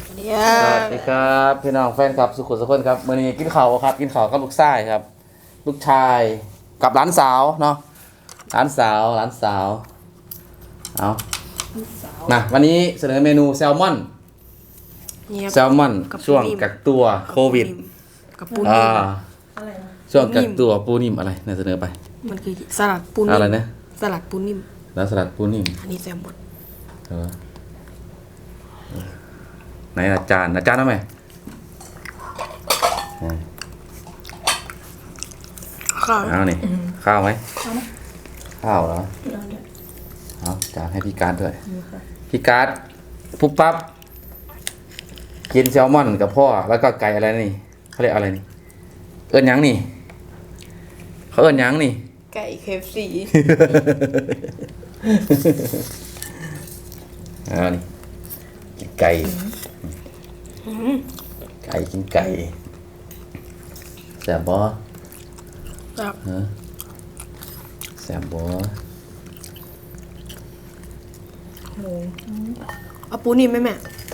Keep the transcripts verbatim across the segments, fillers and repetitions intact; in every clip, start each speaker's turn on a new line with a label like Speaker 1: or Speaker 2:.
Speaker 1: สวัสดีครับพี่น้องแฟนครับสุขุมสุขคนครับมื่อนี้กินข้าวครับกินข้าวกับลูกชายครับ ลูกชายกับหลานสาวเนาะหลานสาวหลานสาวเอามาวันนี้เสนอเมนูแซลมอนแซลมอนช่วงกักตัวโควิด
Speaker 2: กับปู
Speaker 1: อ่
Speaker 2: นิ่
Speaker 1: าช่วงกักตัวปูนิ่มอะไรเนี่ยเสนอไป
Speaker 2: มันคือสลัดปูนิ่ม
Speaker 1: อะไรนะ
Speaker 2: สลัดปูนิ่ม
Speaker 1: แล้วสลัดปูนิ่ม
Speaker 2: อันนี้แซลมอน
Speaker 1: เออไหนอาจารย์อาจารย์ทำไม
Speaker 2: ข้าว
Speaker 1: เอานี่ข้าวไหมข้าวเหรอเอาจานให้พี่การ์ดด้วยพี่การ์ดปุ๊บปั๊บกินแซลมอนกับพ่อแล้วก็ไก่อะไรนี่เขาเรียกอะไรนี่เอิ้นยังนี่เขาเอิ้นยังนี่
Speaker 2: ไก่เคฟซี
Speaker 1: เอานี่กินไก่ไก่กินไก่แซ่บบ่
Speaker 2: ครับ
Speaker 1: แซ่บบ่
Speaker 2: เอาปูนิ่มไหมแม่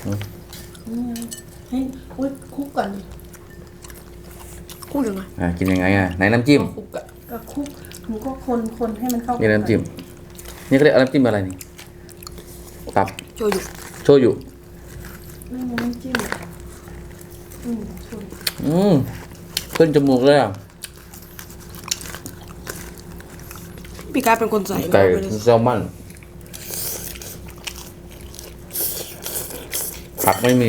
Speaker 3: ให้อุ้ยคุกก่อน
Speaker 2: พูดยังไง
Speaker 1: อ่ากินยังไงอ่ะไหนน้ำจิ้ม
Speaker 3: คุกอะก็คุกหนูก็คนคนให้มันเข้า
Speaker 1: นี่น้ำจิ้มนี่เขาเรียกน้ำจิ้มอะไรนี่ตับ
Speaker 2: โชยุ
Speaker 1: โชยุ
Speaker 3: ไม่มีน้ำจิ้มอืมชน
Speaker 1: อืมขึ้นจมูกเลยอ่ะ
Speaker 2: พี่การเป็นคนใส่
Speaker 1: ไก่แซลมอนผักไม่มี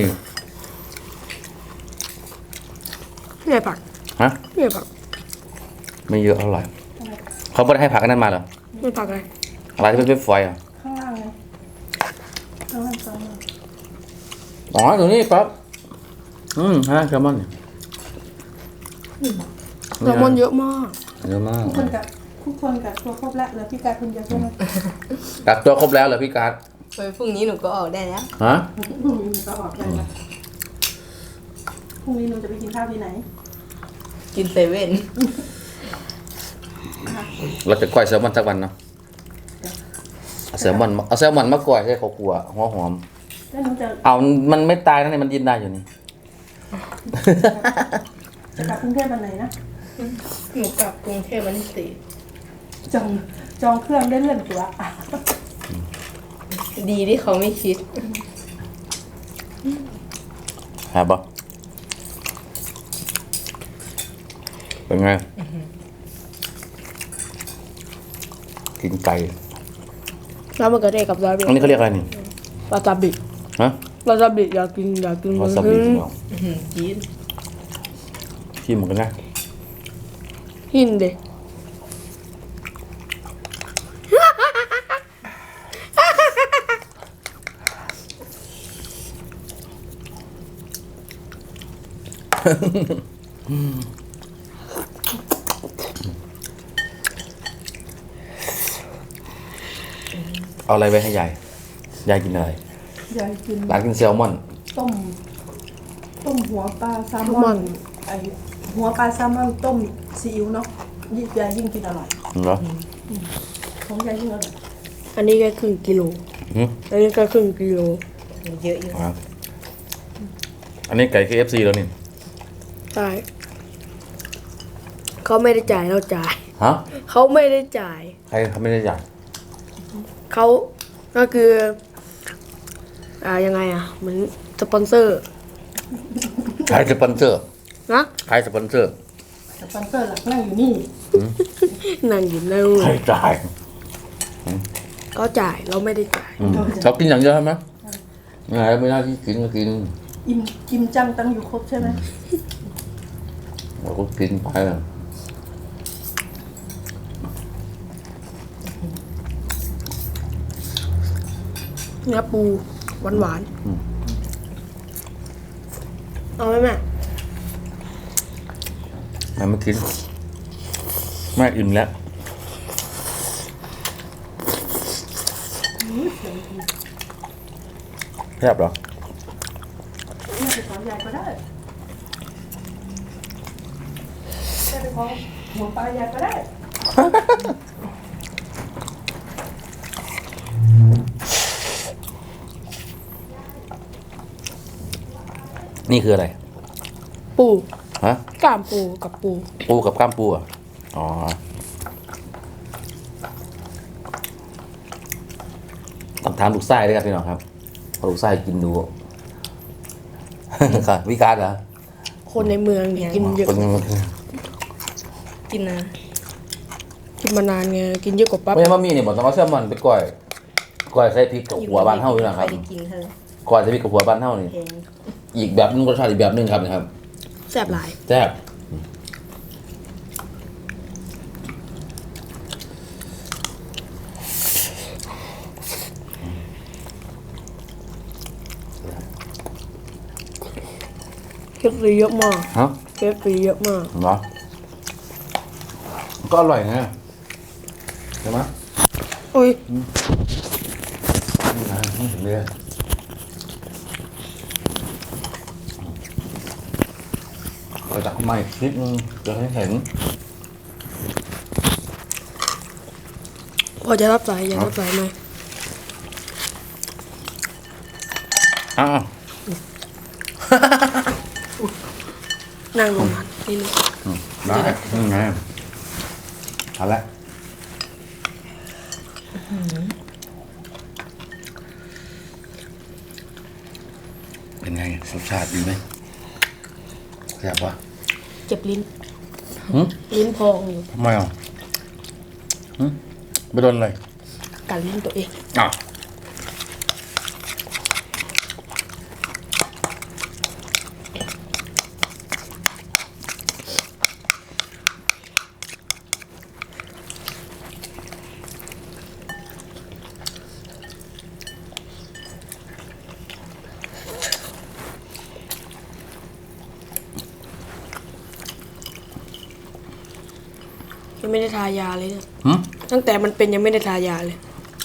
Speaker 2: ไม่ใช่ผัก
Speaker 1: ฮะ
Speaker 2: ไม่ใช่ผัก
Speaker 1: ไม่เยอะเท่าไหร่เขาไม่ได้ให้ผักนั้นมาเหรอ
Speaker 2: ไม่ผักอะไร
Speaker 1: อะไรที่เป็นฝอยอ่ะ
Speaker 3: ข้างล่างไงข้างล่างข้างล่าง
Speaker 1: อ๋อตรงนี้ปั๊บอืมฮะแซลมอนเนี่ย
Speaker 2: แซลมอนเยอะมาก
Speaker 1: เยอะมาก
Speaker 3: ทุกคนกับทุกคนกับตัวครบแล้วแล้วพี่กายคนเดียวใช่ไหม
Speaker 1: กักตัวครบแล้วเหรอพี่การ์ด
Speaker 2: ไปพรุ่งนี้หนูก็ออกได้แล้ว
Speaker 1: ฮะ
Speaker 3: พรุ่งนี้ก็ออกได้แล้วพรุ่งนี้หนูจะไปกินข้าวที่ไหน
Speaker 2: กินเซเว่น
Speaker 1: เราจะก้อยแซลมอนสักวันเนาะเอาแซลมอนเอาแซลมอนมาก้อยให้เขากลัวหัวหอม
Speaker 3: แล้วหนูจะ
Speaker 1: เอามันไม่ตายนะเนี่ยมันยินได้อยู่นี่
Speaker 3: จะกลับกรุงเทพวันไหนนะ
Speaker 2: หนูกลับกรุงเทพวันที่สี่
Speaker 3: จองจองเครื่องได้เลื่อนตัว
Speaker 2: ดีที่เขาไม่คิด
Speaker 1: หาบ่เป็นไงกินไก่
Speaker 2: แล้วมันก็ได้กับซาบิ
Speaker 1: อันนี้เขาเรียกอะไรนี่
Speaker 2: วาซาบิ
Speaker 1: ฮะ
Speaker 2: วาซาบิอยากกินอยากกิน
Speaker 1: วาซาบิเหรอ
Speaker 2: จีน
Speaker 1: ชิมเหมือนกันนะ
Speaker 2: หินเด็
Speaker 1: เอาอะไรไปให้ยายยายกินอะไร
Speaker 3: ยายกิน
Speaker 1: ยายกินแซลมอน
Speaker 3: ต้มต้มหัวปลาแซลมอนไอหัวปลาแซลมอนต้มซีอิ๊วเนาะยิ่งยายยิ่งกินอร่อย
Speaker 1: เหรอ
Speaker 3: ของยายยิ่งอร่อย
Speaker 2: อันนี้แค่ครึ่งกิโลอันนี้แค่ครึ่งกิโลเยอะอยู่
Speaker 1: อันนี้ไก่ เค เอฟ ซี แล้วนี่
Speaker 2: ใช่เขาไม่ได้จ่ายเราจ่าย
Speaker 1: ฮะ
Speaker 2: เขาไม่ได้จ่าย
Speaker 1: ใครเขาไม่ได้จ่าย
Speaker 2: เขาก็คืออ่ายังไงอ่ะเหมือนสปอนเซอร์
Speaker 1: ใครสปอนเซอร์
Speaker 2: นะ
Speaker 1: ใครสปอนเซอร์
Speaker 3: สปอนเซอร์หลักนั่งอยู่นี่
Speaker 2: นั่งอยู่ใน
Speaker 1: ใครจ่าย
Speaker 2: เขาจ่ายเราไม่ได้จ่าย
Speaker 1: เขากินอย่างเดียวใช่ไหมไงไม่ได้ที่กินก็กิน
Speaker 3: อิ่มกิมจังตั้งอยู่ครบใช่ไหม
Speaker 1: เราก็กินไป
Speaker 2: เนื้อปูหวานหวานเอาไหมแม่
Speaker 1: แม่ไม่กินแม่อิ่มแล้วแซ่บเหรอ
Speaker 3: แม่ไปขอยายก็ได้แม่ไปขอหัวปลายายก็ได้
Speaker 1: นี่คืออะไร
Speaker 2: ปู
Speaker 1: ฮะ
Speaker 2: กล้ามปูกับปู
Speaker 1: ปูกับกล้ามปูอ่ะอ๋อต้องถามลูกไส้ด้วยครับพี่น้องครับเพราะลูกไส้กินดู ค่ะวิการเหรอ
Speaker 2: คนในเมืองเนี่ยกินเยอะ
Speaker 1: คน
Speaker 4: กินนะ
Speaker 2: กินมานานไงกินเยอะกว่าปั๊บ
Speaker 1: ไม่ใช่มามีเนี่ยบอกต้องเอาแซลมอนไปก้อยก้อยใส่พริกกับหัวบานเท่าอยู่นะครับ
Speaker 4: ใได้กินเธอ
Speaker 1: ก้อยใส่พริกกับหัวบานเท่านี่
Speaker 4: เพลง
Speaker 1: อีกแบบนึงรสชาติอีกแบบนึงครับนะครับ
Speaker 2: แซ่บหลาย
Speaker 1: แซ่บ
Speaker 2: เคฟซีเยอะมาก
Speaker 1: ฮะ
Speaker 2: เคฟซีเยอะมาก
Speaker 1: เหรอก็อร่อยนะใช่ไหม
Speaker 2: โอ้ย
Speaker 1: นี่นะนี่ถึงเลยเราจับใหม่นิดนึงจะให้เห็น
Speaker 2: พอจะรับสายอย่ารับสายไหม
Speaker 1: อ้าว
Speaker 2: นั่งลงมานี่นึง
Speaker 1: ได้นี่ไงเอาละเป็นไงรสชาติดีไหมแซ่บปะ
Speaker 2: เจ็บลิ้น
Speaker 1: หืม
Speaker 2: ลิ้นพองอยู่
Speaker 1: ทำไมอ่ะหืมไปโดนอะไร
Speaker 2: กัดลิ้นตัวเอง
Speaker 1: อ้าว
Speaker 2: ยังไม่ได้ทายาเลยเนี่ย
Speaker 1: หืม
Speaker 2: ตั้งแต่มันเป็นยังไม่ได้ทายาเลย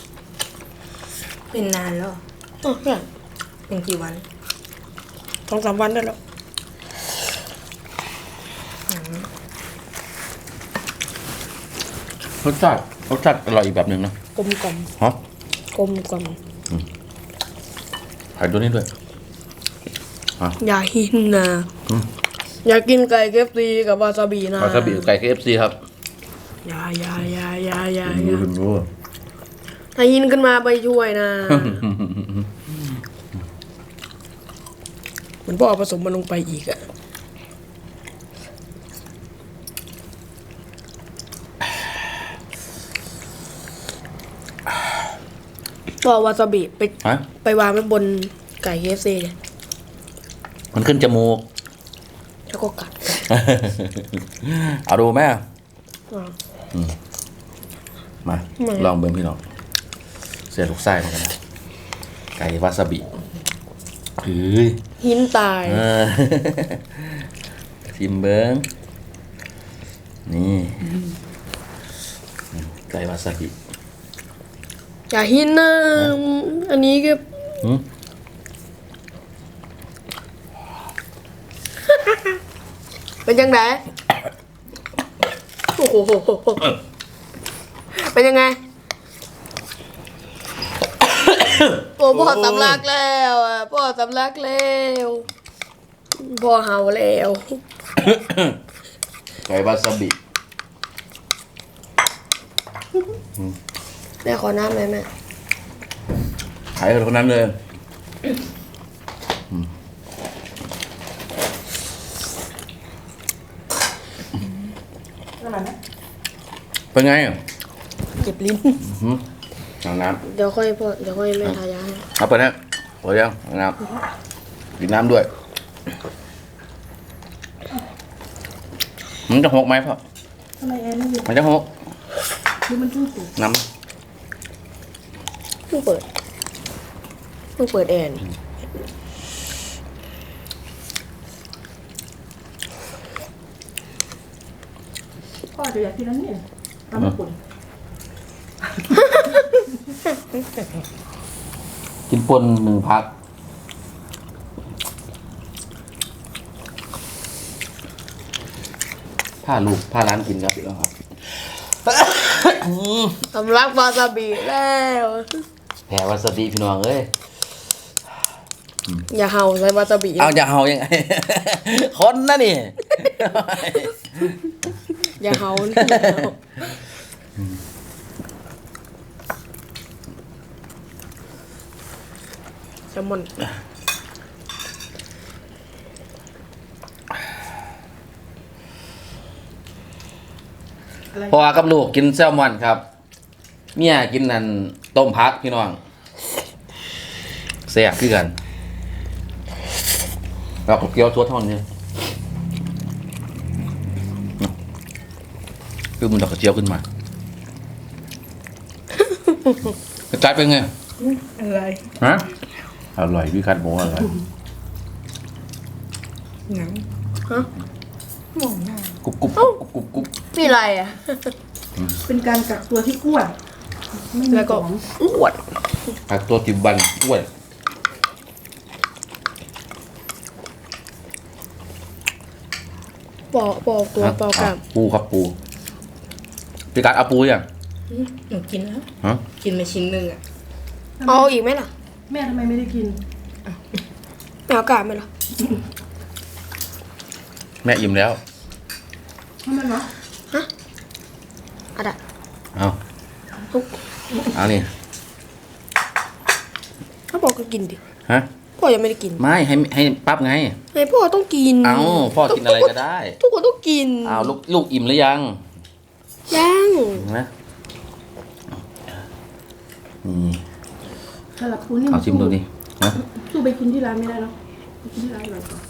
Speaker 4: เป็นนานแล้วเหรอ
Speaker 2: อ๋อใช่
Speaker 4: เป็นกี่วัน
Speaker 2: สองสามวันได้แล้ว
Speaker 1: รสชาติรสชาติอร่อยอีกแบบหนึ่งนะ
Speaker 2: กลมกล่อม
Speaker 1: ฮะ
Speaker 2: กลมกล่อม
Speaker 1: ใส่ตัวนี้ด้วย
Speaker 2: อย่าหินนะ
Speaker 1: อืม
Speaker 2: อย่ากินไก่เคฟซีกับวาซาบินะ
Speaker 1: วาซาบิไก่ เค เอฟ ซี ครับ
Speaker 2: อย่าอย่าอย่าอย่าอย่า
Speaker 1: ดู
Speaker 2: อย่า
Speaker 1: ดู
Speaker 2: ถ้าหินขึ้นมาไปช่วยนะเหมือนพ่อเอาผสมมันลงไปอีกอะพ่อเอาวาซาบิไป
Speaker 1: ฮะ
Speaker 2: ไปวางไว้บนไก่เคฟซีเนี่ย
Speaker 1: มันขึ้นจมูก
Speaker 2: แล้วก็กัด
Speaker 1: เอาดูไหม
Speaker 2: อ่ะ
Speaker 1: มา
Speaker 2: ไม่
Speaker 1: ลองเบิ้งพี่น้องเสียลูกไส้เหมือนกันนะไก่วาซาบิเฮ้ย
Speaker 2: หินตาย
Speaker 1: เออ ชิมเบิ้งนี่ไก่วาซาบิ
Speaker 2: อย่าหินนะอันนี้ก็
Speaker 1: หืม
Speaker 2: เป็นยังไงโอ้โหเป็นยังไง โอ้พ่อสำลักแล้วอ่ะพ่อสำลักแล้วพ่อเห่าแล้ว
Speaker 1: ไก่วาซาบิ
Speaker 2: แม่ขอน้ำเลยแม่
Speaker 1: ขายกับคนนั้นเลย
Speaker 3: ขนาดนั้น
Speaker 1: เป็นไงอ่ะ
Speaker 2: เจ็บลิ้น
Speaker 1: หืมเอาน้
Speaker 2: เดี๋ยวค่อยพ่อเดี๋ยวค่อยแม่ทายาให้
Speaker 1: ำเอาไปนะพอยังเอาน้ำกินน้ำด้วย มันจะหกไหมพ่อ
Speaker 3: ทำไมแอนไม่อยู่
Speaker 1: มันจะหก
Speaker 3: หรือมันเพิ่งปลูก
Speaker 1: น้
Speaker 2: เพิ่งเปิดเพิ่งเปิดแอร์นี่
Speaker 3: พ่อจะอยากกินอันนี้ทำมาปุ่น
Speaker 1: ำกินปนหนึ่งพักผ้าลูกผ้าร้านกินครับพี่น้องครับ
Speaker 2: สำลักวาซาบิแล้ว
Speaker 1: แผ่วาซาบิพี่น้องเอ้ย
Speaker 2: อย่าเห่าใส่วาซาบิ
Speaker 1: เอาจะเห่ายังไง คนนะนี่
Speaker 2: อย่าเห่าแซลมอน
Speaker 3: อะไร
Speaker 1: เพราะว่ากับลูกกินแซลมอนครับเมียกินนั่นต้มพักพี่น้องแซ่บคือกันแล้วก็เกี๊ยวชัวท่อนเนี่ยคือมันดอกกระเจียวขึ้นมากระจายเป็นไง
Speaker 4: อะไร
Speaker 1: ฮะอร่อยพี่คัดบอกว่าอร่อย
Speaker 4: หนัง
Speaker 2: ฮะ
Speaker 4: มองหน้าก
Speaker 1: รุบกรุบกรุบกรุบกรุบ
Speaker 2: นี่อะไรอ่ะ
Speaker 3: เป็นการกักตัวที่อ้วนไม่มี
Speaker 2: แล้วก็
Speaker 3: ของ
Speaker 2: อ้วน
Speaker 1: ผักตัวจิบบันอ้วน
Speaker 2: ปอปอตัวปอกล้าม
Speaker 1: ปูครับปูพี่กัดเอาปูยัง
Speaker 4: อืมหนูกินแล้ว
Speaker 1: ฮะ
Speaker 4: กินไปชิ้นหนึ่งอ่ะ
Speaker 2: เอาอีกไหมล่ะ
Speaker 3: แม่ทำไมไม่ได้กิน
Speaker 2: ไม่เอากล้ามไหมล่ะ
Speaker 1: แม่อิ่มแล้ว
Speaker 3: ทำไมวะ
Speaker 2: อะดะ
Speaker 1: เอาเอานี่
Speaker 2: ถ้าบอกก็กินดิ
Speaker 1: ฮะ
Speaker 2: พ่อยังไม่ได้กิน
Speaker 1: ไม่ให้ให้ปั๊บไง
Speaker 2: ไอ้พ่อต้องกิน
Speaker 1: เอาพ่อกินอะไรก็ได้
Speaker 2: ทุกคนต้องกิน
Speaker 1: เอาลูกลูกอิ่มหรือยัง
Speaker 2: ยัง
Speaker 1: นะนี่
Speaker 3: สลับปูนี่
Speaker 1: เอาชิมดูดิฮะ
Speaker 3: สู้ไปกินที่ร้านไม่ได้เนาะไปกินที่ร้านอร่อยกว่า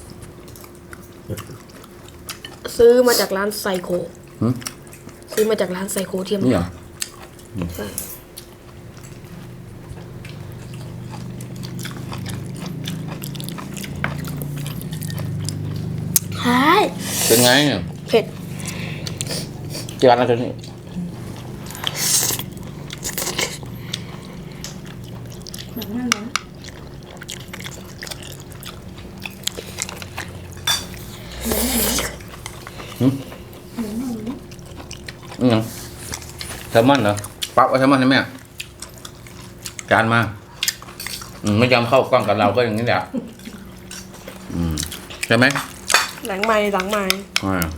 Speaker 2: ซื้อมาจากร้านไซโค
Speaker 1: หึ
Speaker 2: ซื้อมาจากร้านไซโคเทียม
Speaker 1: นี่เหรอ
Speaker 2: ใช่ใช่
Speaker 1: เป็นไงเนี่ย
Speaker 2: เผ็ด
Speaker 1: เจอกันแล้วนี่
Speaker 3: หนังนั่นนะ
Speaker 1: อืมแซลมอนเหรอปั๊บเอาแซลมอนให้แม่จานมาอืมไม่ยอมเข้ากล้องกับเราก็อย่างนี้แหละอืมใช่ไหม
Speaker 2: หลังไม้หลังไม้
Speaker 1: อ่า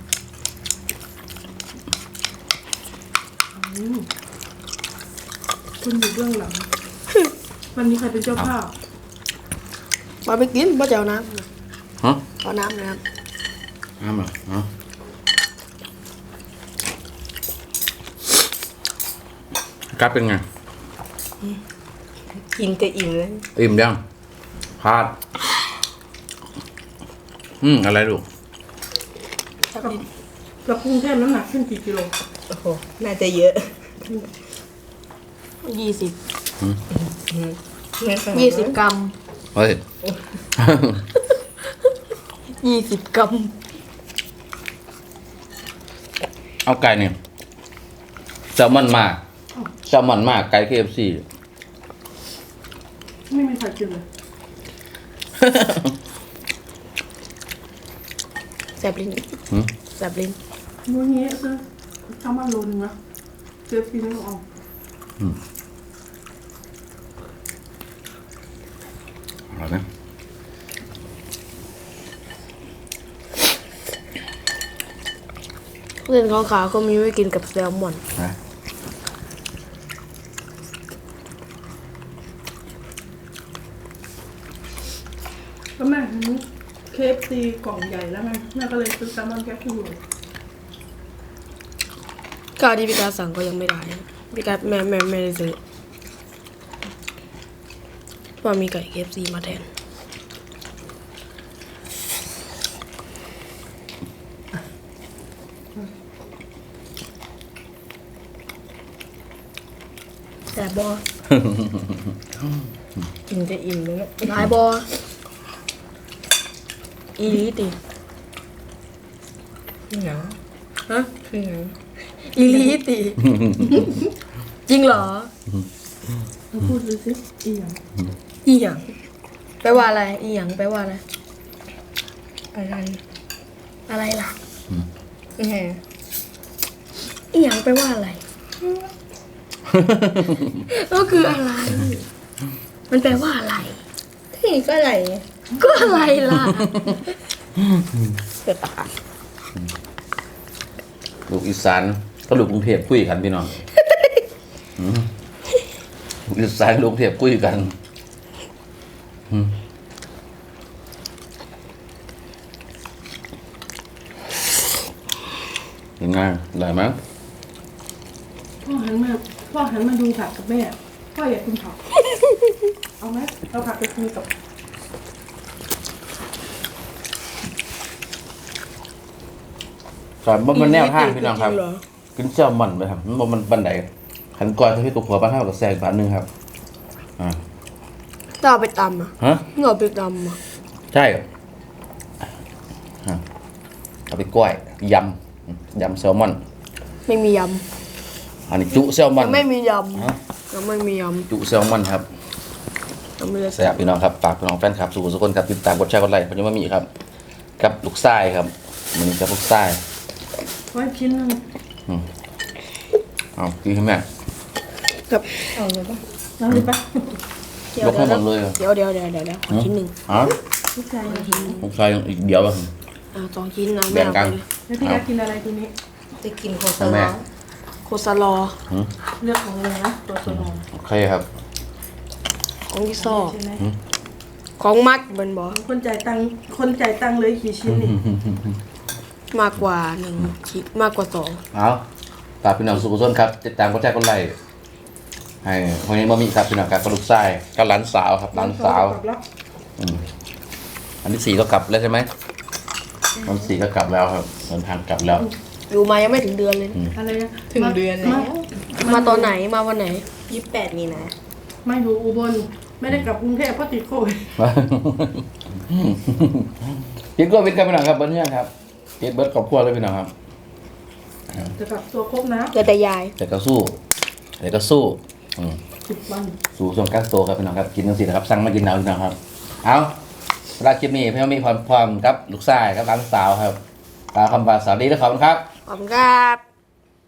Speaker 3: คนอยู่เบื้องหลัง วันนี้ใครเป็นเจ้าภาพ
Speaker 2: มาไปกินมาจะเอาน้
Speaker 1: ฮะ
Speaker 2: ำเอาน้ำนะครับ
Speaker 1: น้ำเหรออ๋อกัดเป็นไง
Speaker 4: กินจะอิ่มเลย
Speaker 1: อิ่มยังพลาดอืมอะไรลูก
Speaker 3: กับกรุงเทพน้ำหนักขึ้นกี่กิโล
Speaker 4: โอ้โหน่าจะเยอะ
Speaker 2: ยี่สิบ
Speaker 4: ไม่ขนาดนั้น
Speaker 2: ยี่สิบกรัม
Speaker 1: เฮ้ย
Speaker 2: ยี่สิบกรัม
Speaker 1: เอาไก่เนี่ยแซลมอนมากแซลมอนมากไก่ เค เอฟ ซี
Speaker 3: ไม่มีใครกินเลย
Speaker 2: แสบลิ้น
Speaker 1: หืม
Speaker 2: แสบลิ้น
Speaker 3: มื้อนี้ซื้อแซลมอนโลนึงนะเจอปีนึงเอา
Speaker 1: เอานะ
Speaker 2: เส้นขาวๆก็มีไว้กินกับแซลมอน
Speaker 1: นะ
Speaker 3: แล้วแม่เห็นเคฟซีกล่องใหญ่แล้วไงแม่ก็เลยซื้อแซลมอนแค่ครึ่งโล
Speaker 2: ข้าวที่พี่การสั่งก็ยังไม่ได้พี่การแม่แม่ไม่ได้ซื้อเพราะมีไก่เคฟซีมาแทนแต่บอ
Speaker 4: กินจะอิ่มเลยนะ
Speaker 2: หลายบออีหลีติ
Speaker 4: พี่หนัง
Speaker 2: ฮะ
Speaker 4: พี่หนัง
Speaker 2: อีหลีติ จริงเหรอ
Speaker 3: เราพูดดูสิอีหยัง
Speaker 2: อีหยังแปลว่าอะไรอีหยังแปลว่าอะไร
Speaker 4: อะไร
Speaker 2: อะไรล่ะ
Speaker 4: แหม
Speaker 2: อีหยังแปลว่าอะไร ก็คืออะไร มันแปลว่าอะไร
Speaker 4: นี่ก็อะไร
Speaker 2: ก็อะไรล่ะ
Speaker 4: เกิดตา
Speaker 1: ลูกอีสานก็ลูกกรุงเทพคุยกันพี่น้องอืมลูกอีสานลูกกรุงเทพคุยกันอืมยังไงได้ไหม
Speaker 3: พ่อหันมาพ่อหันมาดูผักกับแม่พ่ออยากกินผักเอาไหมเอาผักไปคุยกับ
Speaker 1: สอนบ่มันแนวทางพี่น้องครับ
Speaker 2: จริเหอ
Speaker 1: กินแซลมอนไปครับมันบ่มันบันไดขันก่อนที่พี่ตัวผัวบ้านเท่ากับแซงบาทหนึงครับอ่า
Speaker 2: ต้องเอาไปตำอ่ะ
Speaker 1: ฮะ
Speaker 2: ต้องเอาไปตำอ่ะ
Speaker 1: ใช่ครับอ่ะเอาไปกล้วยยำยำแซลมอน
Speaker 2: ไม่มีย
Speaker 1: อันนี้จุแซลม
Speaker 2: ำ
Speaker 1: อ
Speaker 2: ยั
Speaker 1: น
Speaker 2: งไม่มีย
Speaker 1: ฮะ
Speaker 2: ำยังไม่มีย
Speaker 1: จุแซลมอนครับ
Speaker 2: ำยังไม่ได้
Speaker 1: แซ่บพี่น้องครับฝากพี่น้องแฟนคลับสุขุมสุขคนครับติดตามกดแชร์กดไลค์ผมยังไม่มีครับ กับลูกไส้ครับมันนี้กับลูกไส้
Speaker 3: ไว้ชิ้นหนึง
Speaker 1: เอากินให้แม่
Speaker 2: กับ
Speaker 4: เอาเลยปะ
Speaker 3: น้ำเลยปะ
Speaker 2: เดี๋ย
Speaker 1: ยว กให้หมดเลยเหรอ
Speaker 2: เดี๋ยวเดี๋ยวเดี๋ยวเดี๋ยวเดี๋ยวขอชิ้นหนึ่ง
Speaker 1: อ๋อ
Speaker 3: ลูกชายนะ
Speaker 1: ลูกไส้อีกเดียวป่ะ
Speaker 2: อ่าสองชิ้นนะ
Speaker 1: แบ่งกัน
Speaker 3: แล้วพี่อยากกินอะไรทีนี้
Speaker 4: จะกินโคซา
Speaker 1: แม่
Speaker 4: ลา
Speaker 2: โคซาลอ
Speaker 3: เลือกของเลยนะตัวสนอง
Speaker 1: โอเคครับ
Speaker 2: ของที่ซอ
Speaker 3: ใช่ไหม
Speaker 2: ของมัดมันบอก
Speaker 3: คนจ่ายตังค์คนจ่ายตังค์เลยกี่ชิ้นนี่
Speaker 2: มากกว่าหนึ่งชิ้นมากกว่าสอง
Speaker 1: เอาฝากพี่น้องสุขุมสุขครับติดตามกดแชร์กดไลค์ให้คนนี้บ่มีครับพี่น้องครับกับลูกไส้กับหลานสาวครับหลานสาว
Speaker 3: กลับแล้ว
Speaker 1: อืมอันที่สี่ก็กลับแล้วใช่ไหมวันที่สี่ก็กลับแล้วครับเดินทางกลับแล้ว
Speaker 2: อยู่มายังไม่ถึงเดือนเลยนะ
Speaker 3: อะไรนะ
Speaker 4: ถึงเดือนแล้ว
Speaker 2: มาตอนไหนมาวันไหน
Speaker 4: ยี่สิบแปดมีนา
Speaker 3: มาอยู่อุบลไม่ได้กลับกรุงเทพเพราะติดโควิด
Speaker 1: กินก็วิทย์กันพี่น้องครับเบิ้ลเนี่ยครับกินเบิ้ลครอบครัวเลยพี่น้องครับ
Speaker 3: จะกลับตัวครบนะ
Speaker 2: เกิดแต่ยาย
Speaker 1: แต่ก็สู้แต่ก็สู้อืม
Speaker 3: สิบวัน
Speaker 1: สู้ส่วนก้างโตครับพี่น้องครับกินทั้งสี่นะครับสั่งมากินเอาพี่น้องครับเอาสำหรับคลิปนี้พี่น้องมีความพร้อมครับลูกชายครับหลานสาวครับตามคำบาสวัสดีและขอบคุณครับ
Speaker 2: ขอบคุณครับ